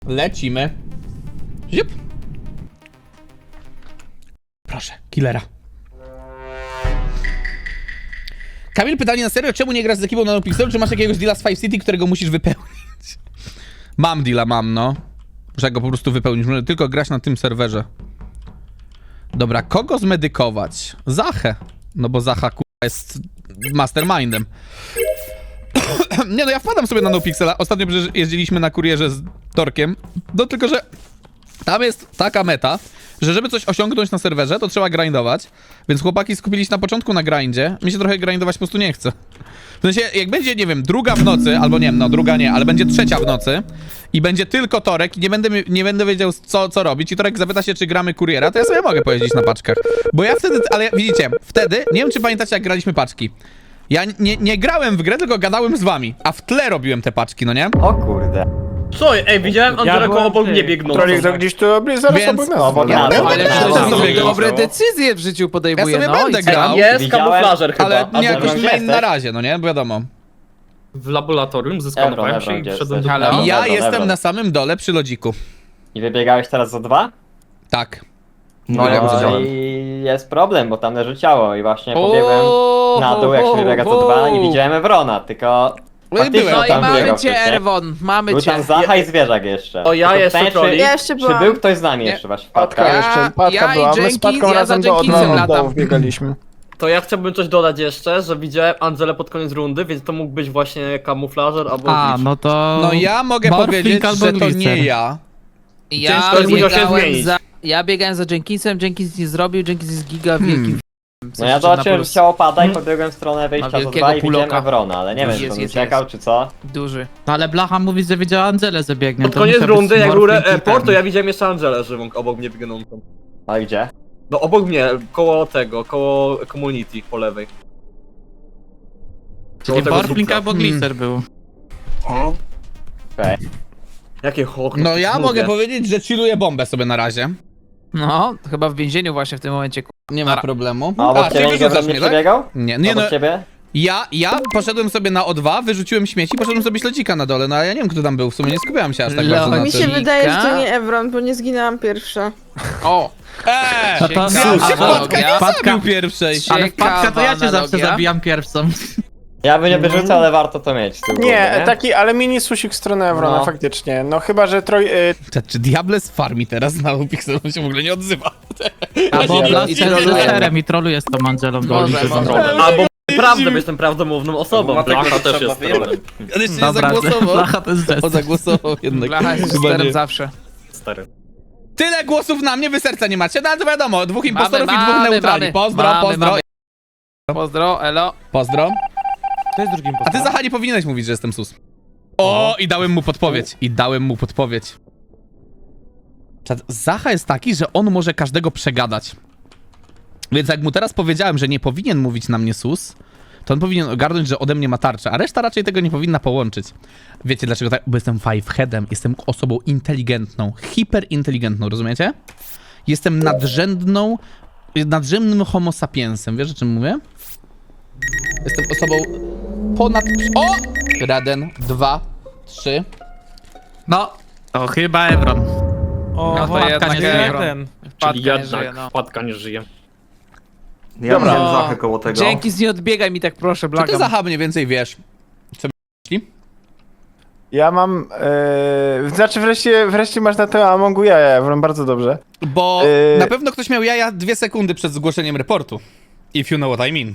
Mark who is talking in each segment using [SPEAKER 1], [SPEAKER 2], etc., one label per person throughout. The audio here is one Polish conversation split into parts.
[SPEAKER 1] Lecimy. Ziup. Proszę, killera. Kamil, pytanie na serio, czemu nie grasz z ekipą na Pixelu, czy masz jakiegoś deala z Five City, którego musisz wypełnić? Mam deala, no. Muszę go po prostu wypełnić, muszę tylko grać na tym serwerze. Dobra, kogo zmedykować? Zachę. No bo Zacha jest mastermindem. Nie no, ja wpadam sobie na NoPixela. Ostatnio przecież jeździliśmy na kurierze z Torkiem. No tylko, że tam jest taka meta, że żeby coś osiągnąć na serwerze, to trzeba grindować. Więc chłopaki skupili się na początku na grindzie. Mi się trochę grindować po prostu nie chce. W sensie, jak będzie, nie wiem, druga w nocy, albo nie wiem, no druga nie, ale będzie trzecia w nocy i będzie tylko Torek i nie będę wiedział co robić i Torek zapyta się, czy gramy kuriera, to ja sobie mogę pojeździć na paczkach. Bo ja wtedy, ale widzicie, wtedy, nie wiem czy pamiętacie jak graliśmy paczki. Ja nie grałem w grę, tylko gadałem z wami, a w tle robiłem te paczki, no nie?
[SPEAKER 2] O kurde.
[SPEAKER 3] Co? Ej, widziałem Andrzeja koło obok mnie biegnącą.
[SPEAKER 4] Trolik to gdzieś tu zaraz
[SPEAKER 1] Więc-
[SPEAKER 4] obok nas.
[SPEAKER 2] Ja
[SPEAKER 5] Ale
[SPEAKER 1] grałem.
[SPEAKER 5] ktoś
[SPEAKER 1] sobie
[SPEAKER 5] dobre
[SPEAKER 1] grał.
[SPEAKER 5] decyzje w życiu
[SPEAKER 1] Ja
[SPEAKER 5] podejmuje,
[SPEAKER 1] sobie
[SPEAKER 5] no
[SPEAKER 1] będę
[SPEAKER 5] i co?
[SPEAKER 1] grał,
[SPEAKER 3] Jest
[SPEAKER 2] Widziałem,
[SPEAKER 3] kamuflażer chyba.
[SPEAKER 1] ale nie jakoś
[SPEAKER 2] gdzie
[SPEAKER 1] main
[SPEAKER 2] jesteś?
[SPEAKER 1] na razie, no nie? Bo wiadomo.
[SPEAKER 6] W laboratorium zyskałem się i
[SPEAKER 2] gdzie
[SPEAKER 6] wszedłem do
[SPEAKER 2] jesteś?
[SPEAKER 5] Halo?
[SPEAKER 1] Ja
[SPEAKER 2] Dobra,
[SPEAKER 1] jestem
[SPEAKER 2] dobra.
[SPEAKER 1] na samym dole przy lodziku.
[SPEAKER 2] I wybiegałeś teraz za 2?
[SPEAKER 1] Tak.
[SPEAKER 2] No
[SPEAKER 1] ja widziałem.
[SPEAKER 2] i jest problem, bo tam leży ciało i właśnie pobiegłem na dół jak się wybiega za 2 i widziałem Evrona, tylko faktycznie
[SPEAKER 1] byłem
[SPEAKER 5] No i
[SPEAKER 2] tam
[SPEAKER 5] mamy
[SPEAKER 2] biegał
[SPEAKER 5] cię,
[SPEAKER 2] wcześniej.
[SPEAKER 5] Erwon, mamy
[SPEAKER 2] Był
[SPEAKER 5] cię.
[SPEAKER 2] tam Zacha i zwierzak jeszcze.
[SPEAKER 3] To ja
[SPEAKER 2] Tylko
[SPEAKER 3] jeszcze
[SPEAKER 2] pytanie,
[SPEAKER 3] Trolik.
[SPEAKER 7] Ja jeszcze
[SPEAKER 2] Czy
[SPEAKER 7] byłam.
[SPEAKER 2] był ktoś z nami
[SPEAKER 5] Nie.
[SPEAKER 2] jeszcze właśnie w
[SPEAKER 4] Patka
[SPEAKER 2] patkach?
[SPEAKER 4] jeszcze, Patka
[SPEAKER 5] ja i
[SPEAKER 4] była, my z
[SPEAKER 5] Jenkins,
[SPEAKER 4] Patką
[SPEAKER 5] ja za
[SPEAKER 4] razem do
[SPEAKER 5] Jenkinsem
[SPEAKER 4] dołu
[SPEAKER 5] latam.
[SPEAKER 4] biegaliśmy.
[SPEAKER 3] To ja chciałbym coś dodać jeszcze, że widziałem Angelę pod koniec rundy, więc to mógł być właśnie kamuflażer albo
[SPEAKER 8] A,
[SPEAKER 3] glitch.
[SPEAKER 8] no to...
[SPEAKER 1] No ja mogę
[SPEAKER 8] Morphling
[SPEAKER 1] powiedzieć,
[SPEAKER 8] albo
[SPEAKER 1] że to
[SPEAKER 8] Glicer.
[SPEAKER 1] nie ja.
[SPEAKER 5] Ja
[SPEAKER 1] Ciężko jest
[SPEAKER 3] musiał się
[SPEAKER 5] biegałem
[SPEAKER 3] zmienić.
[SPEAKER 5] ja biegałem za Jenkinsem, Jenkins nie zrobił, Jenkins jest giga wielkim
[SPEAKER 2] No ja zobaczyłem, że ciało pada i pobiegłem w stronę
[SPEAKER 5] Ma
[SPEAKER 2] wyjścia za
[SPEAKER 5] wielkiego
[SPEAKER 2] 2 i widziałem
[SPEAKER 5] puloka.
[SPEAKER 2] Evrona, ale nie wiem, czy
[SPEAKER 5] Jest,
[SPEAKER 2] on
[SPEAKER 5] jest,
[SPEAKER 2] uciekał
[SPEAKER 5] jest.
[SPEAKER 2] czy co.
[SPEAKER 5] duży.
[SPEAKER 8] No ale Blacha mówi, że widziała Angelę, że biegnie.
[SPEAKER 3] Pod
[SPEAKER 8] to
[SPEAKER 3] koniec
[SPEAKER 8] musiał być
[SPEAKER 3] rundy, jak był
[SPEAKER 8] Morphling i
[SPEAKER 3] report, to
[SPEAKER 8] ten.
[SPEAKER 3] ja widziałem jeszcze Angelę żywą obok mnie biegnącą.
[SPEAKER 2] Ale gdzie?
[SPEAKER 3] No obok mnie, koło tego, koło community po lewej.
[SPEAKER 8] Czyli
[SPEAKER 3] Koło tego
[SPEAKER 8] Morphling
[SPEAKER 3] zupca.
[SPEAKER 8] albo Glicer był.
[SPEAKER 2] Okej.
[SPEAKER 3] Jakie hok.
[SPEAKER 1] No ja mogę powiedzieć, że chilluję bombę sobie na razie.
[SPEAKER 5] No, to chyba w więzieniu właśnie w tym momencie.
[SPEAKER 1] Nie ma problemu.
[SPEAKER 2] A obok
[SPEAKER 1] czyli
[SPEAKER 2] ciebie nikt
[SPEAKER 1] wyrzucasz
[SPEAKER 2] nie
[SPEAKER 1] mnie, tak?
[SPEAKER 2] przebiegał?
[SPEAKER 1] Nie, nie no.
[SPEAKER 2] Obok ciebie?
[SPEAKER 1] Ja poszedłem sobie na O2, wyrzuciłem śmieci, poszedłem sobie śledzika na dole, no ale ja nie wiem kto tam był, w sumie nie skupiałem się aż tak bardzo na
[SPEAKER 7] Mi
[SPEAKER 1] tym.
[SPEAKER 7] się wydaje, że to
[SPEAKER 5] Mika?
[SPEAKER 7] nie Evron, bo nie zginęłam pierwsza.
[SPEAKER 5] O!
[SPEAKER 8] No to...
[SPEAKER 1] Ja się
[SPEAKER 5] Analogia.
[SPEAKER 1] Wpadka nie zabił pierwszej.
[SPEAKER 8] Ale wpadka to ja cię
[SPEAKER 5] Ciekawa
[SPEAKER 8] zawsze
[SPEAKER 5] analogia.
[SPEAKER 8] zabijam pierwszą.
[SPEAKER 2] Ja bym nie wyrzucał, ale warto to mieć z tyłu głowy,
[SPEAKER 4] Nie, taki, ale mini susik w stronę Evrona,
[SPEAKER 2] No.
[SPEAKER 4] faktycznie. No chyba, że
[SPEAKER 1] Czy Diables farmi teraz na Pixel, on się w ogóle nie odzywa.
[SPEAKER 8] Albo
[SPEAKER 4] Ja
[SPEAKER 8] Blaster
[SPEAKER 5] i
[SPEAKER 8] jest
[SPEAKER 5] troluje.
[SPEAKER 8] lusterem i troluje z tą Angelą do
[SPEAKER 5] Może,
[SPEAKER 8] ulicy.
[SPEAKER 5] może.
[SPEAKER 3] Albo prawdę, bo jestem prawdomówną osobą. Blacha też jest trolem.
[SPEAKER 1] On jeszcze nie
[SPEAKER 8] Dobra,
[SPEAKER 1] zagłosował.
[SPEAKER 8] Blacha to jest
[SPEAKER 1] On
[SPEAKER 8] gest.
[SPEAKER 1] zagłosował jednak.
[SPEAKER 5] Blacha jest
[SPEAKER 1] Chyba
[SPEAKER 5] sterem
[SPEAKER 1] nie.
[SPEAKER 5] zawsze.
[SPEAKER 3] Stary.
[SPEAKER 1] Tyle głosów na mnie, wy serca nie macie, no ale to wiadomo, dwóch impostorów i dwóch
[SPEAKER 5] mamy,
[SPEAKER 1] neutrali.
[SPEAKER 5] mamy.
[SPEAKER 1] Pozdro,
[SPEAKER 5] Mamy,
[SPEAKER 1] pozdro,
[SPEAKER 5] mamy. Pozdro, elo.
[SPEAKER 1] pozdro.
[SPEAKER 6] To jest drugim
[SPEAKER 1] A ty Zacha nie powinieneś mówić, że jestem sus. O, i dałem mu podpowiedź. I dałem mu podpowiedź. Czad, Zacha jest taki, że on może każdego przegadać. Więc jak mu teraz powiedziałem, że nie powinien mówić na mnie sus, to on powinien ogarnąć, że ode mnie ma tarczę, a reszta raczej tego nie powinna połączyć. Wiecie dlaczego tak? Bo jestem fiveheadem, jestem osobą inteligentną, hiperinteligentną, rozumiecie? Jestem nadrzędnym homo sapiensem, wiesz o czym mówię? Jestem osobą ponad... O! 1, 2, 3.
[SPEAKER 8] No, to chyba Evron.
[SPEAKER 6] O,
[SPEAKER 5] No to
[SPEAKER 8] wpadka
[SPEAKER 5] jednak
[SPEAKER 8] nie żyje.
[SPEAKER 6] ten.
[SPEAKER 5] Wpadka
[SPEAKER 3] Czyli
[SPEAKER 5] nie
[SPEAKER 3] jednak
[SPEAKER 5] żyje, no.
[SPEAKER 3] wpadka nie żyje.
[SPEAKER 2] Ja
[SPEAKER 4] Dobra.
[SPEAKER 2] widziałem Zachę koło tego.
[SPEAKER 5] Jenkins, nie odbiegaj mi tak proszę,
[SPEAKER 1] Co ty
[SPEAKER 5] błagam.
[SPEAKER 1] Zacha mniej więcej wiesz? Co myśli?
[SPEAKER 4] ja mam... znaczy wreszcie masz na to Amongu jaja, Evron, bardzo dobrze.
[SPEAKER 1] Bo
[SPEAKER 4] Yy.
[SPEAKER 1] na pewno ktoś miał jaja 2 sekundy przed zgłoszeniem reportu. If you know what I mean.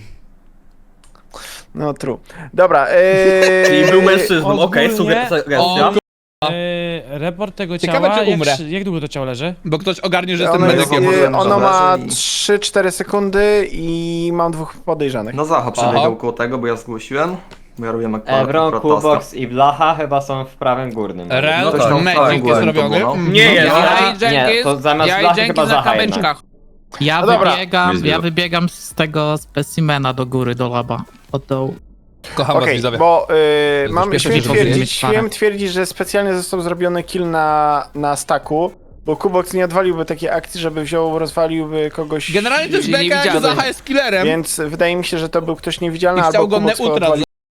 [SPEAKER 4] No true. Dobra,
[SPEAKER 3] Czyli był mężczyzną, okej,
[SPEAKER 6] ogólnie-
[SPEAKER 3] sugestia.
[SPEAKER 1] O,
[SPEAKER 6] Raport tego
[SPEAKER 1] Ciekawe,
[SPEAKER 6] ciała,
[SPEAKER 1] czy umrę.
[SPEAKER 6] jak długo to ciało leży?
[SPEAKER 1] bo ktoś ogarnie, że jestem
[SPEAKER 4] ono, jest,
[SPEAKER 1] medykiem.
[SPEAKER 4] ono ma 3-4 sekundy i mam 2 podejrzanych.
[SPEAKER 9] No Zacha
[SPEAKER 1] Aha.
[SPEAKER 9] przebiegał koło tego, bo ja zgłosiłem. Bo ja robiłem
[SPEAKER 2] Evron,
[SPEAKER 9] akurat
[SPEAKER 2] Kubox i Blacha chyba są w prawym górnym.
[SPEAKER 1] Rel,
[SPEAKER 9] No tak,
[SPEAKER 1] magic
[SPEAKER 9] tak,
[SPEAKER 1] jest
[SPEAKER 9] byłem, to
[SPEAKER 1] robiony.
[SPEAKER 9] było, no.
[SPEAKER 1] Mhm.
[SPEAKER 3] Nie jest.
[SPEAKER 5] Ja i
[SPEAKER 2] Nie,
[SPEAKER 5] Jenkins,
[SPEAKER 2] to zamiast
[SPEAKER 5] ja i
[SPEAKER 2] Blachy
[SPEAKER 5] Jenkins
[SPEAKER 2] chyba
[SPEAKER 5] na
[SPEAKER 2] Zacha jednak.
[SPEAKER 5] kamyczkach.
[SPEAKER 8] Ja
[SPEAKER 4] No dobra.
[SPEAKER 8] wybiegam z tego specimena do góry, do laba. Od dołu.
[SPEAKER 1] Kocham was
[SPEAKER 4] Okej,
[SPEAKER 1] widzowie.
[SPEAKER 4] bo
[SPEAKER 1] To
[SPEAKER 4] mam
[SPEAKER 1] już
[SPEAKER 4] śmiem
[SPEAKER 1] pierwsze, co
[SPEAKER 4] twierdzić, że specjalnie został zrobiony kill na staku, bo Kubox nie odwaliłby takiej akcji, żeby rozwaliłby kogoś.
[SPEAKER 1] Generalnie to jest
[SPEAKER 5] Nie
[SPEAKER 1] beka, jak
[SPEAKER 5] widziałem.
[SPEAKER 1] Zacha jest killerem.
[SPEAKER 4] Więc wydaje mi się, że to był ktoś niewidzialny
[SPEAKER 1] I chciał
[SPEAKER 4] albo
[SPEAKER 1] go
[SPEAKER 4] Kubox
[SPEAKER 1] neutralizować.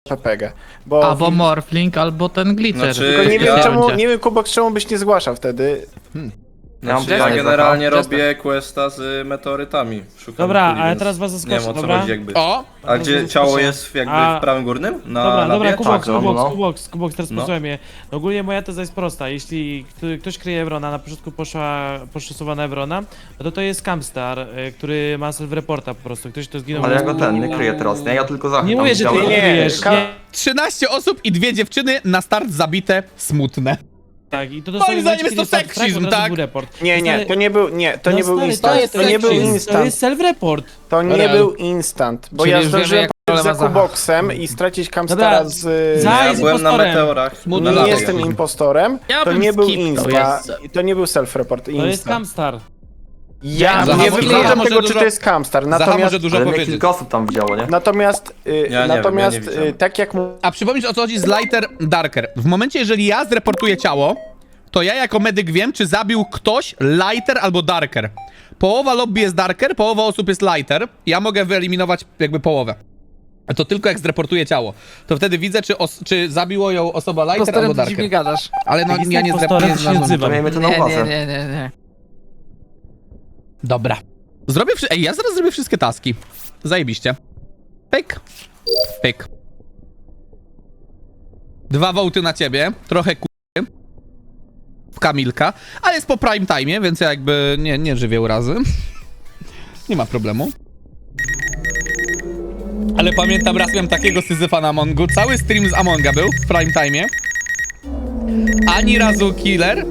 [SPEAKER 4] PPG. Bo
[SPEAKER 8] Albo Morphling, albo ten Glitcher.
[SPEAKER 10] Znaczy,
[SPEAKER 4] tylko nie wiem
[SPEAKER 10] ja-
[SPEAKER 4] czemu, nie wiem Kubok, czemu byś nie zgłaszał wtedy.
[SPEAKER 10] Znaczy, ja
[SPEAKER 2] pytanie,
[SPEAKER 10] generalnie
[SPEAKER 2] Zacha.
[SPEAKER 10] robię questa z meteorytami. Szukam
[SPEAKER 6] Dobra,
[SPEAKER 10] kuli,
[SPEAKER 6] ale
[SPEAKER 10] więc
[SPEAKER 6] teraz was
[SPEAKER 10] nie
[SPEAKER 6] zaskoczę,
[SPEAKER 10] wiem o co
[SPEAKER 6] dobra?
[SPEAKER 10] chodzi jakby.
[SPEAKER 1] O!
[SPEAKER 10] A gdzie ciało jest jakby
[SPEAKER 6] A-
[SPEAKER 10] w prawym górnym? Na
[SPEAKER 6] Dobra, dobra,
[SPEAKER 10] labie?
[SPEAKER 6] Kubox,
[SPEAKER 2] Tak, no, no.
[SPEAKER 6] Kubox, teraz
[SPEAKER 10] No.
[SPEAKER 6] posłuchaj mnie. Ogólnie moja teza jest prosta. Jeśli ktoś kryje Evrona, na początku poszła na Evrona, no to jest Camstar, który ma self-reporta po prostu. Ktoś to zginął.
[SPEAKER 9] Ale ja go nie kryję teraz, nie? Ja tylko Zachę
[SPEAKER 6] Nie
[SPEAKER 9] tam
[SPEAKER 6] mówię, że ty
[SPEAKER 9] widziałem.
[SPEAKER 6] nie kryjesz. Nie.
[SPEAKER 1] 13 osób i 2 dziewczyny na start zabite, smutne.
[SPEAKER 6] Tak, i to
[SPEAKER 1] Moim
[SPEAKER 6] dosłownie
[SPEAKER 1] zdaniem
[SPEAKER 6] momencie,
[SPEAKER 1] jest to
[SPEAKER 6] kiedy start
[SPEAKER 1] seksizm,
[SPEAKER 6] track, od razu
[SPEAKER 1] tak?
[SPEAKER 6] był report.
[SPEAKER 4] Nie,
[SPEAKER 6] Stary-
[SPEAKER 4] to nie był, nie, to
[SPEAKER 6] No
[SPEAKER 4] nie był
[SPEAKER 6] stary,
[SPEAKER 4] instant,
[SPEAKER 1] jest
[SPEAKER 4] to nie był
[SPEAKER 1] seksizm.
[SPEAKER 6] To
[SPEAKER 4] instant,
[SPEAKER 6] jest self-report.
[SPEAKER 4] to nie
[SPEAKER 1] Real.
[SPEAKER 4] był instant, bo
[SPEAKER 5] Czyli
[SPEAKER 4] ja
[SPEAKER 5] już wiemy,
[SPEAKER 4] zdążyłem
[SPEAKER 5] jak
[SPEAKER 4] pójść za
[SPEAKER 5] rola Zacha.
[SPEAKER 4] Kuboksem i stracić Camstara
[SPEAKER 6] Dobra,
[SPEAKER 4] z...
[SPEAKER 6] Za-
[SPEAKER 10] Ja
[SPEAKER 6] jest
[SPEAKER 10] byłem na
[SPEAKER 6] impostorem.
[SPEAKER 10] meteorach.
[SPEAKER 1] Smutny
[SPEAKER 10] na
[SPEAKER 4] Nie
[SPEAKER 10] labie.
[SPEAKER 4] jestem impostorem,
[SPEAKER 8] Ja
[SPEAKER 4] to
[SPEAKER 8] bym
[SPEAKER 4] nie był
[SPEAKER 8] skipnął,
[SPEAKER 4] insta,
[SPEAKER 8] jest.
[SPEAKER 4] to nie był self-report,
[SPEAKER 6] To jest
[SPEAKER 4] instant.
[SPEAKER 6] Camstar.
[SPEAKER 4] Ja
[SPEAKER 1] Zacha
[SPEAKER 4] nie
[SPEAKER 1] może-
[SPEAKER 4] wykluczam
[SPEAKER 1] Zacha może
[SPEAKER 4] tego, czy
[SPEAKER 1] dużo-
[SPEAKER 4] to jest Camstar,
[SPEAKER 1] Zacha
[SPEAKER 4] natomiast...
[SPEAKER 1] może dużo
[SPEAKER 9] Ale mnie
[SPEAKER 1] powiedzieć.
[SPEAKER 9] kilka osób tam widziało, nie?
[SPEAKER 4] Natomiast,
[SPEAKER 10] Ja nie wiem, ja nie widziałem.
[SPEAKER 4] tak jak
[SPEAKER 1] A przypomnisz, o co chodzi z Lighter Darker. W momencie, jeżeli ja zreportuję ciało, to ja jako medyk wiem, czy zabił ktoś Lighter albo Darker. Połowa lobby jest Darker, połowa osób jest Lighter. Ja mogę wyeliminować jakby połowę. A to tylko jak zreportuję ciało. To wtedy widzę, czy zabiło ją osoba Lighter albo
[SPEAKER 5] Postarem ty dziwnie
[SPEAKER 1] Darker.
[SPEAKER 5] gadasz.
[SPEAKER 1] Ale no
[SPEAKER 6] Jak
[SPEAKER 1] ja
[SPEAKER 6] jestem
[SPEAKER 1] nie
[SPEAKER 6] impostorem, to się nie
[SPEAKER 1] zreportuję.
[SPEAKER 6] odzywam.
[SPEAKER 9] To miejmy to na
[SPEAKER 5] Nie,
[SPEAKER 9] uwadze.
[SPEAKER 5] nie.
[SPEAKER 1] Dobra. Zrobię Ej, ja zaraz zrobię wszystkie taski. Zajebiście. Pyk. Pyk. 2 wołty na ciebie. Trochę w Kamilka. Ale jest po prime time, więc ja jakby nie żywię urazy. Nie ma problemu. Ale pamiętam, raz miałem takiego syzyfa na Amongu. Cały stream z Amonga był w prime time. Ani razu killer.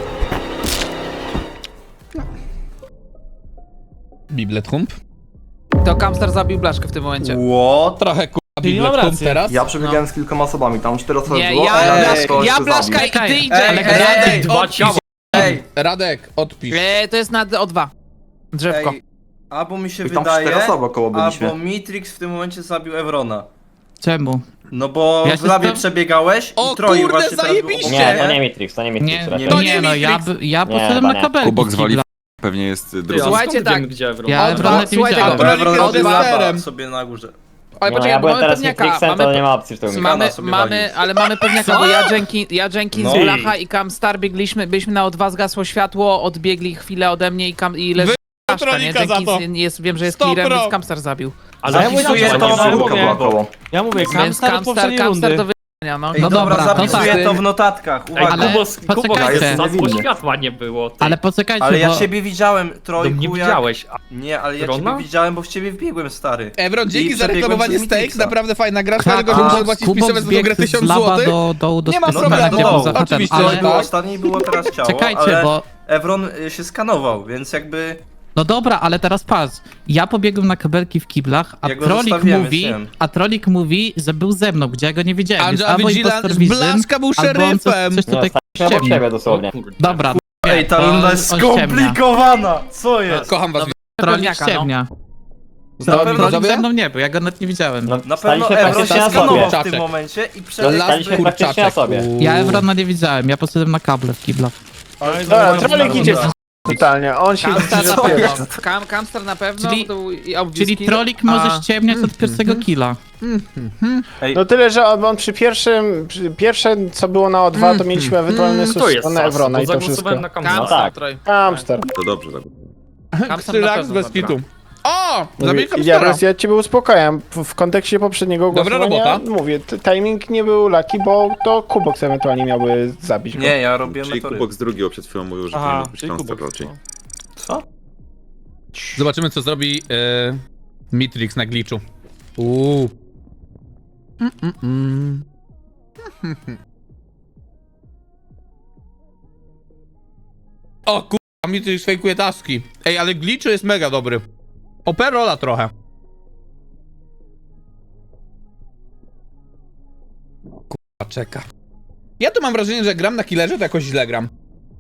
[SPEAKER 1] Biblet hump.
[SPEAKER 5] To Camstar zabił Blaszkę w tym momencie.
[SPEAKER 10] What?
[SPEAKER 1] Trochę
[SPEAKER 6] Czyli
[SPEAKER 1] Biblet
[SPEAKER 6] mam
[SPEAKER 1] hump
[SPEAKER 6] rację.
[SPEAKER 1] teraz.
[SPEAKER 9] Ja przebiegałem z kilkoma osobami, tam 4 osoby
[SPEAKER 5] Nie,
[SPEAKER 9] było,
[SPEAKER 5] ja,
[SPEAKER 9] a
[SPEAKER 5] Blaszka, ja
[SPEAKER 9] ktoś
[SPEAKER 5] Blaszka
[SPEAKER 9] zabił.
[SPEAKER 5] i ty,
[SPEAKER 8] Czekaj,
[SPEAKER 5] Jay.
[SPEAKER 8] ale
[SPEAKER 1] Radek,
[SPEAKER 3] Dwa
[SPEAKER 1] odpisz.
[SPEAKER 3] ciała.
[SPEAKER 1] Radek, odpisz.
[SPEAKER 5] To jest na O2. Drzewko.
[SPEAKER 10] Ej, albo mi się
[SPEAKER 9] I tam
[SPEAKER 10] wydaje,
[SPEAKER 9] 4 osoby około byliśmy.
[SPEAKER 10] albo Mitrix w tym momencie zabił Evrona.
[SPEAKER 8] Czemu?
[SPEAKER 10] No bo
[SPEAKER 8] Ja
[SPEAKER 10] w
[SPEAKER 8] się
[SPEAKER 10] labie
[SPEAKER 8] stam-
[SPEAKER 10] przebiegałeś
[SPEAKER 1] O
[SPEAKER 10] i Troi
[SPEAKER 1] kurde,
[SPEAKER 10] właśnie teraz był
[SPEAKER 1] zajebiście!
[SPEAKER 10] obok
[SPEAKER 2] Nie,
[SPEAKER 10] mnie.
[SPEAKER 2] to nie Mitrix, to nie Mitrix
[SPEAKER 8] Nie,
[SPEAKER 2] raczej.
[SPEAKER 1] To nie
[SPEAKER 8] no,
[SPEAKER 1] Matrix.
[SPEAKER 8] ja
[SPEAKER 2] Nie,
[SPEAKER 8] poszedłem
[SPEAKER 2] chyba
[SPEAKER 8] na
[SPEAKER 2] nie.
[SPEAKER 8] kabelki.
[SPEAKER 11] Kubok zwali
[SPEAKER 8] Kibla.
[SPEAKER 11] pewnie jest
[SPEAKER 3] Ty,
[SPEAKER 11] drugi.
[SPEAKER 3] a
[SPEAKER 5] Słuchajcie,
[SPEAKER 3] skąd
[SPEAKER 5] tak.
[SPEAKER 3] wiemy, gdzie Evron?
[SPEAKER 8] Ja
[SPEAKER 1] O,
[SPEAKER 8] Evrona nie
[SPEAKER 5] słuchajcie,
[SPEAKER 8] widziałem.
[SPEAKER 10] Bo Evron
[SPEAKER 1] Od
[SPEAKER 10] robił laba
[SPEAKER 1] sterem.
[SPEAKER 10] sobie na górze.
[SPEAKER 5] Ale
[SPEAKER 2] No,
[SPEAKER 5] poczekaj,
[SPEAKER 2] ja
[SPEAKER 5] bo
[SPEAKER 2] byłem
[SPEAKER 5] mamy
[SPEAKER 2] teraz
[SPEAKER 5] pewniaka.
[SPEAKER 2] Mitrixem, to nie ma opcji w tym.
[SPEAKER 10] Mamy-
[SPEAKER 5] Mamy,
[SPEAKER 10] sobie
[SPEAKER 5] mamy,
[SPEAKER 10] walić.
[SPEAKER 5] ale mamy pewniaka, bo ja Jenkins,
[SPEAKER 10] No.
[SPEAKER 5] Blacha i Camstar byliśmy na O2, zgasło światło, odbiegli chwilę ode mnie i leży Blaszka, nie?
[SPEAKER 1] Trolika za to.
[SPEAKER 5] Jenkins jest, wiem, że jest
[SPEAKER 1] 100
[SPEAKER 5] clearem,
[SPEAKER 1] pro.
[SPEAKER 5] więc Camstar zabił.
[SPEAKER 6] Ale
[SPEAKER 3] ja mówię,
[SPEAKER 6] zapisuję
[SPEAKER 3] że
[SPEAKER 6] to,
[SPEAKER 3] nie
[SPEAKER 6] ja
[SPEAKER 3] było.
[SPEAKER 9] Czwórka była
[SPEAKER 6] mówię,
[SPEAKER 9] około.
[SPEAKER 6] ja mówię,
[SPEAKER 5] Więc
[SPEAKER 6] Camstar od poprzedniej
[SPEAKER 5] Camstar
[SPEAKER 6] rundy.
[SPEAKER 5] do wyjścia, no.
[SPEAKER 10] Ej,
[SPEAKER 8] No
[SPEAKER 10] dobra,
[SPEAKER 8] dobra, to
[SPEAKER 10] zapisuję
[SPEAKER 8] tak.
[SPEAKER 10] to w notatkach,
[SPEAKER 3] Ej,
[SPEAKER 10] uwaga.
[SPEAKER 8] Ale
[SPEAKER 3] Kubos,
[SPEAKER 8] poczekajcie.
[SPEAKER 3] jest
[SPEAKER 9] Niewinny.
[SPEAKER 3] światła nie było. Ty.
[SPEAKER 8] Ale poczekajcie,
[SPEAKER 10] Ale ja
[SPEAKER 8] bo...
[SPEAKER 10] ciebie widziałem,
[SPEAKER 3] No
[SPEAKER 10] Trojku,
[SPEAKER 3] mnie
[SPEAKER 10] jak...
[SPEAKER 3] widziałeś. A
[SPEAKER 10] Nie, ale ja
[SPEAKER 3] Evrona?
[SPEAKER 10] ciebie widziałem, bo w ciebie wbiegłem, stary.
[SPEAKER 1] Evron,
[SPEAKER 10] I
[SPEAKER 1] dzięki za
[SPEAKER 10] przebiegłem
[SPEAKER 1] reklamowanie
[SPEAKER 10] przez
[SPEAKER 1] Stakes,
[SPEAKER 10] Mitrixa.
[SPEAKER 1] naprawdę fajna gra,
[SPEAKER 8] Tak,
[SPEAKER 1] tylko że muszę
[SPEAKER 8] a
[SPEAKER 1] zapłacić
[SPEAKER 8] Kubok
[SPEAKER 1] pisowe za tą grę
[SPEAKER 8] zbiegł
[SPEAKER 1] 1000
[SPEAKER 8] z laba
[SPEAKER 1] zł.
[SPEAKER 8] do dołu do
[SPEAKER 1] Nie ma
[SPEAKER 10] No
[SPEAKER 1] problemu,
[SPEAKER 10] tak,
[SPEAKER 8] gdzie
[SPEAKER 10] no,
[SPEAKER 8] był Zacha ten,
[SPEAKER 1] oczywiście,
[SPEAKER 10] To
[SPEAKER 8] ale...
[SPEAKER 10] było
[SPEAKER 1] tak.
[SPEAKER 10] ostatnie i było teraz ciało,
[SPEAKER 8] Czekajcie,
[SPEAKER 10] ale
[SPEAKER 8] bo...
[SPEAKER 10] Evron się skanował, więc jakby...
[SPEAKER 8] No dobra, ale teraz patrz. Ja pobiegłem na kabelki w kiblach, a
[SPEAKER 10] Ja go
[SPEAKER 8] Trolik
[SPEAKER 10] zostawiłem,
[SPEAKER 8] mówi,
[SPEAKER 10] wiem.
[SPEAKER 8] że był ze mną, gdzie ja go nie widziałem. Więc
[SPEAKER 1] Angela
[SPEAKER 8] albo
[SPEAKER 1] Vigilance,
[SPEAKER 8] impostor Vision,
[SPEAKER 1] Blaszka był
[SPEAKER 8] albo on
[SPEAKER 1] szeryfem.
[SPEAKER 8] coś
[SPEAKER 2] No,
[SPEAKER 8] tutaj
[SPEAKER 2] staliśmy obok
[SPEAKER 8] ściemnił.
[SPEAKER 2] siebie dosłownie.
[SPEAKER 8] Dobra,
[SPEAKER 10] Ej, ta
[SPEAKER 8] to
[SPEAKER 10] runda jest
[SPEAKER 8] on ściemnia.
[SPEAKER 10] skomplikowana! Co jest?
[SPEAKER 1] Kocham was.
[SPEAKER 8] Trolik
[SPEAKER 5] Pewniaka, no.
[SPEAKER 8] ściemnia.
[SPEAKER 10] Na pewno,
[SPEAKER 8] Trolik
[SPEAKER 1] widzowie?
[SPEAKER 8] ze mną nie był, ja go nawet nie widziałem.
[SPEAKER 2] No,
[SPEAKER 10] na pewno
[SPEAKER 2] staliśmy
[SPEAKER 10] Evron
[SPEAKER 2] praktycznie
[SPEAKER 10] się
[SPEAKER 2] na
[SPEAKER 10] skanował
[SPEAKER 2] sobie.
[SPEAKER 10] w
[SPEAKER 1] Kurczaczek.
[SPEAKER 10] tym momencie i
[SPEAKER 2] No,
[SPEAKER 10] przebiegł...
[SPEAKER 2] staliśmy praktycznie na sobie.
[SPEAKER 8] Ja Evrona nie widziałem, ja poszedłem na kable w kiblach.
[SPEAKER 4] Dobra, Trolik idzie totalnie, on się
[SPEAKER 5] Camstar na
[SPEAKER 4] zapiera.
[SPEAKER 5] pewno. Camstar na pewno.
[SPEAKER 8] Czyli-
[SPEAKER 5] to i
[SPEAKER 8] Czyli
[SPEAKER 5] obwiski,
[SPEAKER 8] Trolik
[SPEAKER 5] a-
[SPEAKER 8] może ściemniać od pierwszego killa.
[SPEAKER 4] No tyle, że on przy pierwsze co było na O2, to mieliśmy ewentualny
[SPEAKER 3] To
[SPEAKER 4] sus
[SPEAKER 3] jest
[SPEAKER 4] na Evrona
[SPEAKER 3] bo
[SPEAKER 4] i to wszystko.
[SPEAKER 3] zagłosowałem na Camstar.
[SPEAKER 2] No tak.
[SPEAKER 5] Troj.
[SPEAKER 4] Hamster.
[SPEAKER 11] To dobrze, tak.
[SPEAKER 5] Camstar na
[SPEAKER 1] Relax
[SPEAKER 5] pewno
[SPEAKER 1] bez
[SPEAKER 5] zabił.
[SPEAKER 1] kitu. O! Zabiję
[SPEAKER 4] Ja,
[SPEAKER 1] Camstara.
[SPEAKER 4] ja ciebie uspokajam. W kontekście poprzedniego
[SPEAKER 1] Dobra
[SPEAKER 4] głosowania
[SPEAKER 1] robota.
[SPEAKER 4] mówię, timing nie był lucky, bo to Kubox ewentualnie miałby zabić go.
[SPEAKER 10] Nie, ja robiłem
[SPEAKER 11] Czyli
[SPEAKER 10] metory.
[SPEAKER 11] Kubok z drugiego przed chwilą mówił, że
[SPEAKER 6] Aha,
[SPEAKER 11] powinien być
[SPEAKER 6] czyli
[SPEAKER 11] Monster
[SPEAKER 6] Kubok.
[SPEAKER 11] raczej.
[SPEAKER 10] Co?
[SPEAKER 1] Zobaczymy, co zrobi Mitrix na glitchu. O kurwa, Mitrix fejkuje taski. Ej, ale glitchu jest mega dobry. Operola trochę. Kurwa, czeka. Ja tu mam wrażenie, że gram na killerze, to jakoś źle gram.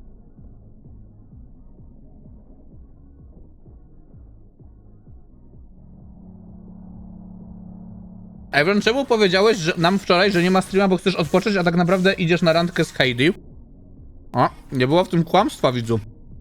[SPEAKER 1] Evron, czemu powiedziałeś że nam wczoraj, że nie ma streama, bo chcesz odpocząć, a tak naprawdę idziesz na randkę z Heidi? O, nie było w tym kłamstwa, widzu.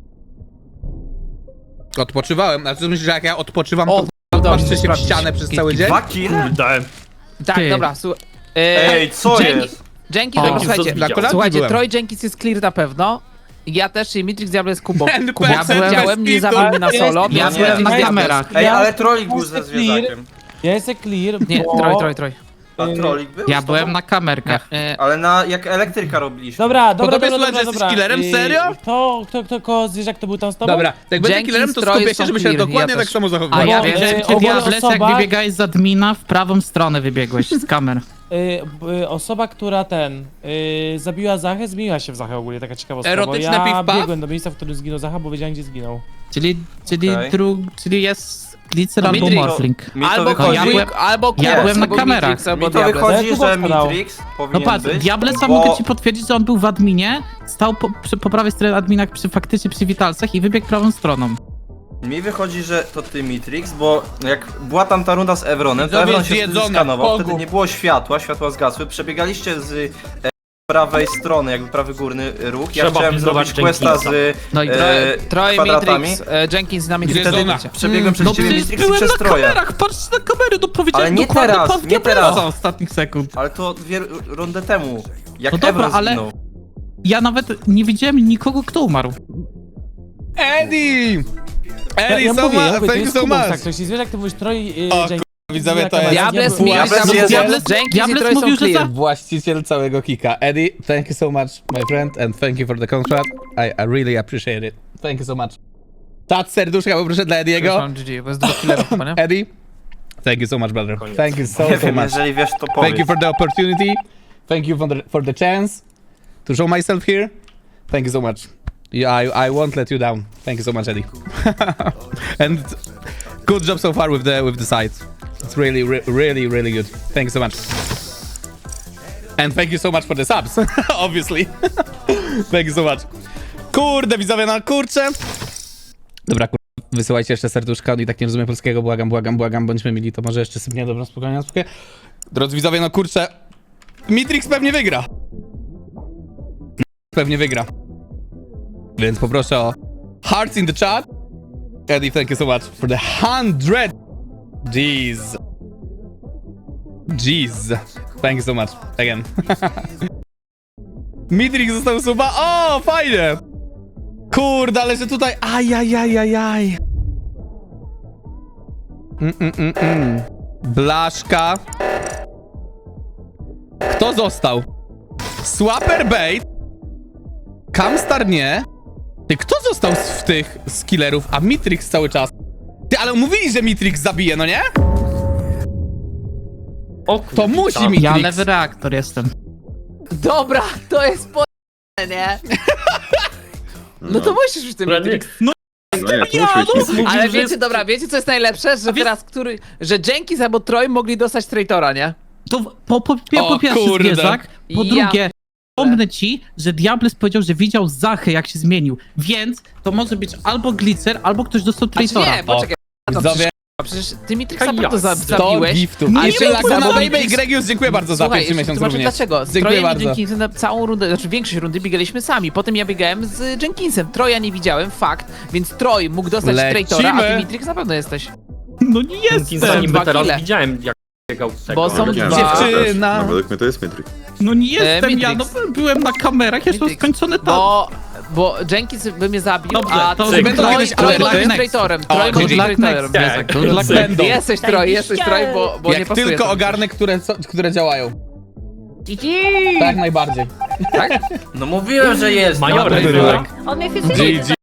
[SPEAKER 1] Odpoczywałem, a ty myślisz, że jak ja odpoczywam, to patrzę się w ścianę przez cały dzień?
[SPEAKER 10] Dwa kill?
[SPEAKER 3] Dałem.
[SPEAKER 5] Tak,
[SPEAKER 8] Ty.
[SPEAKER 5] dobra,
[SPEAKER 10] Ej, co
[SPEAKER 5] Jenkins-
[SPEAKER 10] jest?
[SPEAKER 5] Jenkins,
[SPEAKER 3] Jenkins
[SPEAKER 5] słuchajcie,
[SPEAKER 3] to widział.
[SPEAKER 5] słuchajcie,
[SPEAKER 1] byłem.
[SPEAKER 5] Troy Jenkins jest clear na pewno. Ja też, i Mitrix Diablo jest Kubok.
[SPEAKER 1] NPC
[SPEAKER 5] Ja widziałem, nie
[SPEAKER 1] bez
[SPEAKER 5] zabił mnie na
[SPEAKER 6] kitu.
[SPEAKER 5] solo.
[SPEAKER 8] Ja
[SPEAKER 5] więc
[SPEAKER 8] byłem na
[SPEAKER 6] ja-
[SPEAKER 8] kamerach.
[SPEAKER 10] Ej,
[SPEAKER 6] Ja-
[SPEAKER 10] ale trolik był ze
[SPEAKER 6] Jestem clear.
[SPEAKER 10] zwierzakiem.
[SPEAKER 6] Ja jestem clear,
[SPEAKER 5] Nie,
[SPEAKER 6] bo...
[SPEAKER 5] Troy.
[SPEAKER 10] A trolik był?
[SPEAKER 8] Ja
[SPEAKER 10] z
[SPEAKER 8] byłem
[SPEAKER 10] tobą?
[SPEAKER 8] na kamerkach.
[SPEAKER 10] Ale jak elektryka robiliśmy.
[SPEAKER 6] Dobra,
[SPEAKER 1] tobie
[SPEAKER 6] dobra,
[SPEAKER 1] słychać, że jesteś
[SPEAKER 6] dobra.
[SPEAKER 1] killerem? Serio?
[SPEAKER 6] Kto zwierzak to był tam z tobą?
[SPEAKER 1] Dobra, jak będę
[SPEAKER 5] Jenkins,
[SPEAKER 1] killerem, to
[SPEAKER 5] Troy
[SPEAKER 1] skupię się,
[SPEAKER 5] są
[SPEAKER 1] żeby się
[SPEAKER 5] clear,
[SPEAKER 1] dokładnie
[SPEAKER 5] ja
[SPEAKER 1] tak
[SPEAKER 5] też.
[SPEAKER 1] samo
[SPEAKER 8] A
[SPEAKER 1] zachowywać.
[SPEAKER 8] ja
[SPEAKER 6] Bo,
[SPEAKER 8] wiem, że ty
[SPEAKER 6] ogólnie
[SPEAKER 8] Diables,
[SPEAKER 6] osoba-
[SPEAKER 8] jak wybiegałeś z admina, w prawą stronę wybiegłeś z kamer.
[SPEAKER 6] Osoba, która zabiła Zachę, zmieniła się w Zachę ogólnie, taka ciekawostka,
[SPEAKER 1] Erotyczne
[SPEAKER 6] bo ja
[SPEAKER 1] piw-paw?
[SPEAKER 6] biegłem do miejsca, w którym zginął Zacha, bo wiedziałem, gdzie zginął.
[SPEAKER 8] Czyli
[SPEAKER 10] Okej.
[SPEAKER 8] czyli jest Glitzer albo
[SPEAKER 5] Mitrix.
[SPEAKER 8] Morphling.
[SPEAKER 10] Mi to
[SPEAKER 5] Albo
[SPEAKER 10] wychodzi,
[SPEAKER 8] ja byłem-
[SPEAKER 5] albo
[SPEAKER 8] ja
[SPEAKER 5] Kubok,
[SPEAKER 8] byłem na
[SPEAKER 5] albo
[SPEAKER 8] kamerach.
[SPEAKER 5] Mitrix, albo
[SPEAKER 10] mi to
[SPEAKER 5] Diables.
[SPEAKER 10] wychodzi,
[SPEAKER 6] Ja
[SPEAKER 10] że
[SPEAKER 6] tu dał.
[SPEAKER 10] Mitrix
[SPEAKER 8] No
[SPEAKER 10] powinien
[SPEAKER 8] patrz,
[SPEAKER 10] być,
[SPEAKER 8] Diablesa
[SPEAKER 10] bo...
[SPEAKER 8] mogę ci potwierdzić, że on był w adminie, stał po prawej stronie admina faktycznie przy witalcach i wybiegł prawą stroną.
[SPEAKER 10] Mi wychodzi, że to ty Mitrix, bo jak była tam ta runda z Evronem, to
[SPEAKER 1] Widzowie
[SPEAKER 10] Evron się wtedy
[SPEAKER 1] zjedzone,
[SPEAKER 10] skanował,
[SPEAKER 1] pogub.
[SPEAKER 10] wtedy nie było światła zgasły, przebiegaliście z prawej strony, jakby prawy górny róg, ja
[SPEAKER 3] Trzeba
[SPEAKER 10] chciałem
[SPEAKER 3] pilnować
[SPEAKER 10] zrobić questa z
[SPEAKER 8] No i
[SPEAKER 5] Troy,
[SPEAKER 10] kwadratami.
[SPEAKER 5] Matrix, Jenkins na
[SPEAKER 10] I
[SPEAKER 5] Matrix.
[SPEAKER 10] wtedy
[SPEAKER 1] Zjedzona.
[SPEAKER 10] przebiegłem przez
[SPEAKER 8] no
[SPEAKER 10] ciebie
[SPEAKER 8] przecież
[SPEAKER 10] Mitrix i
[SPEAKER 8] byłem
[SPEAKER 10] przez
[SPEAKER 8] na
[SPEAKER 10] Troja.
[SPEAKER 8] kamerach, patrzcie na kamery, to powiedziałem
[SPEAKER 10] Ale nie
[SPEAKER 8] dokładnie
[SPEAKER 10] teraz,
[SPEAKER 8] pan
[SPEAKER 10] nie
[SPEAKER 8] Diablesa
[SPEAKER 10] teraz.
[SPEAKER 8] ostatnich sekund.
[SPEAKER 10] Ale to rundę temu, jak
[SPEAKER 8] No dobra,
[SPEAKER 10] Evron
[SPEAKER 8] ale-
[SPEAKER 10] zginął.
[SPEAKER 8] Ja nawet nie widziałem nikogo, kto umarł.
[SPEAKER 1] Eddie! Eddie,
[SPEAKER 6] Ja
[SPEAKER 1] so
[SPEAKER 6] mówię,
[SPEAKER 1] much,
[SPEAKER 6] to
[SPEAKER 1] thank you
[SPEAKER 6] jest
[SPEAKER 1] so
[SPEAKER 6] Kubok,
[SPEAKER 1] much.
[SPEAKER 6] tak, to jeśli zwierzak, to mówisz Troy,
[SPEAKER 1] O,
[SPEAKER 6] Jenkins.
[SPEAKER 1] Widzowie, to jest
[SPEAKER 5] Diables,
[SPEAKER 10] Diables
[SPEAKER 5] Mitrix,
[SPEAKER 10] jest-
[SPEAKER 5] Jenkins i
[SPEAKER 8] Diables
[SPEAKER 5] Troy są
[SPEAKER 8] mówił, że
[SPEAKER 5] clear.
[SPEAKER 1] właściciel całego kika. Eddie, thank you so much, my friend, and thank you for the contract. I really appreciate it. Thank you so much. Czat serduszka poproszę dla Ediego.
[SPEAKER 5] Mam GG, bo jest dwóch killerów chyba, nie?
[SPEAKER 1] Eddie, thank you so much, brother. Thank you
[SPEAKER 10] Nie
[SPEAKER 1] so
[SPEAKER 10] wiem,
[SPEAKER 1] much.
[SPEAKER 10] jeżeli wiesz, to
[SPEAKER 1] Thank
[SPEAKER 10] powiedz.
[SPEAKER 1] you for the opportunity. Thank you for the chance to show myself here. Thank you so much. I won't let you down. Thank you so much, Eddie. And good job so far with the site. It's really good. Thank you so much. And thank you so much for the subs, obviously. Thank you so much. Kurde, widzowie, no kurczę. Dobra, wysyłajcie jeszcze serduszka, on i tak nie rozumie polskiego, błagam, bądźmy mili, to może jeszcze sypnie, dobra, spokojnie. Drodzy widzowie, no kurczę, Mitrix pewnie wygra. Pewnie wygra. Więc poproszę o hearts in the chat. Eddie, thank you so much for the 100. Jeez. Thank you so much. Again. Mitrix został suba. O, fajnie. Kurde, ale że tutaj... Ajajajajaj. Blaszka. Kto został? Swapper bait. Kamstar nie. Ty, kto został z killerów? A Mitrix cały czas. Ty, ale mówili, że Mitrix zabije, no nie?
[SPEAKER 3] O kurde,
[SPEAKER 1] To musi
[SPEAKER 3] tam.
[SPEAKER 1] Mitrix.
[SPEAKER 8] Ja lewy reaktor jestem.
[SPEAKER 5] Dobra, to jest po... nie? No to musisz już tym
[SPEAKER 3] Dobra,
[SPEAKER 5] Matrix.
[SPEAKER 11] No nie, to musi być.
[SPEAKER 5] Ale
[SPEAKER 3] że
[SPEAKER 5] wiecie,
[SPEAKER 3] jest-
[SPEAKER 5] dobra, wiecie co jest najlepsze? Że teraz, że Jenkins albo Troy mogli dostać traitora, nie?
[SPEAKER 8] To po
[SPEAKER 1] O
[SPEAKER 8] pierwsze
[SPEAKER 1] kurde.
[SPEAKER 8] zwierzak, po
[SPEAKER 5] Ja
[SPEAKER 8] drugie, pomnę ci, że Diables powiedział, że widział Zachę, jak się zmienił, więc to może być albo Glitzer, albo ktoś dostał traitora.
[SPEAKER 5] Nie, poczekaj. To
[SPEAKER 1] Widzowie,
[SPEAKER 5] przecież ty Mitrixa
[SPEAKER 3] Ja.
[SPEAKER 5] naprawdę
[SPEAKER 1] 100
[SPEAKER 5] zabiłeś.
[SPEAKER 1] giftów.
[SPEAKER 8] No
[SPEAKER 1] A
[SPEAKER 8] nie
[SPEAKER 1] jeszcze
[SPEAKER 8] wiem,
[SPEAKER 1] Lakuna
[SPEAKER 8] bo
[SPEAKER 1] Baby i
[SPEAKER 5] Mitrix-
[SPEAKER 1] Gregius, dziękuję bardzo za
[SPEAKER 5] Słuchaj,
[SPEAKER 1] pierwszy miesiąc
[SPEAKER 5] tłumaczę
[SPEAKER 1] również.
[SPEAKER 5] dlaczego. Z
[SPEAKER 1] Dziękuję
[SPEAKER 5] Trojem i
[SPEAKER 1] bardzo.
[SPEAKER 5] Jenkinsem na całą rundę, znaczy większość rundy biegaliśmy sami. Potem ja biegałem z Jenkinsem. Troja nie widziałem, fakt. Więc Troj mógł dostać
[SPEAKER 1] Lecimy.
[SPEAKER 5] traitora, a ty Mitrix na pewno jesteś.
[SPEAKER 8] No nie
[SPEAKER 3] Jenkinsa
[SPEAKER 8] jestem,
[SPEAKER 3] niby
[SPEAKER 5] dwa
[SPEAKER 3] teraz
[SPEAKER 5] kile.
[SPEAKER 3] widziałem, jak biegał tego.
[SPEAKER 5] Bo są
[SPEAKER 3] ale-
[SPEAKER 11] Widziałem,
[SPEAKER 5] dwa-
[SPEAKER 11] że
[SPEAKER 1] Dziewczyna.
[SPEAKER 11] też. No, według mnie to jest Matrix.
[SPEAKER 8] no nie jestem, ja no,
[SPEAKER 5] Mitrix.
[SPEAKER 8] byłem na kamerach, ja jestem
[SPEAKER 5] Mitrix.
[SPEAKER 8] skończony tam.
[SPEAKER 5] Bo Jenkins by mnie zabił,
[SPEAKER 8] Dobrze,
[SPEAKER 5] a
[SPEAKER 8] to
[SPEAKER 5] Troy
[SPEAKER 1] będą kiedyś
[SPEAKER 5] Troy
[SPEAKER 1] alerty?
[SPEAKER 5] może być
[SPEAKER 8] Next.
[SPEAKER 5] traitorem.
[SPEAKER 1] O,
[SPEAKER 5] Troy może
[SPEAKER 1] good
[SPEAKER 5] być
[SPEAKER 8] luck
[SPEAKER 5] traitorem.
[SPEAKER 8] next.
[SPEAKER 3] Tak.
[SPEAKER 8] Good luck
[SPEAKER 1] Będą.
[SPEAKER 5] Jesteś Troy, bo nie
[SPEAKER 1] Jak
[SPEAKER 5] pasuje
[SPEAKER 1] tylko
[SPEAKER 5] to.
[SPEAKER 1] ogarnę, które działają. Tak najbardziej.
[SPEAKER 10] No mówiłem, że jest.
[SPEAKER 3] Majorem
[SPEAKER 10] no,
[SPEAKER 3] byłem.
[SPEAKER 7] On mnie
[SPEAKER 1] GG.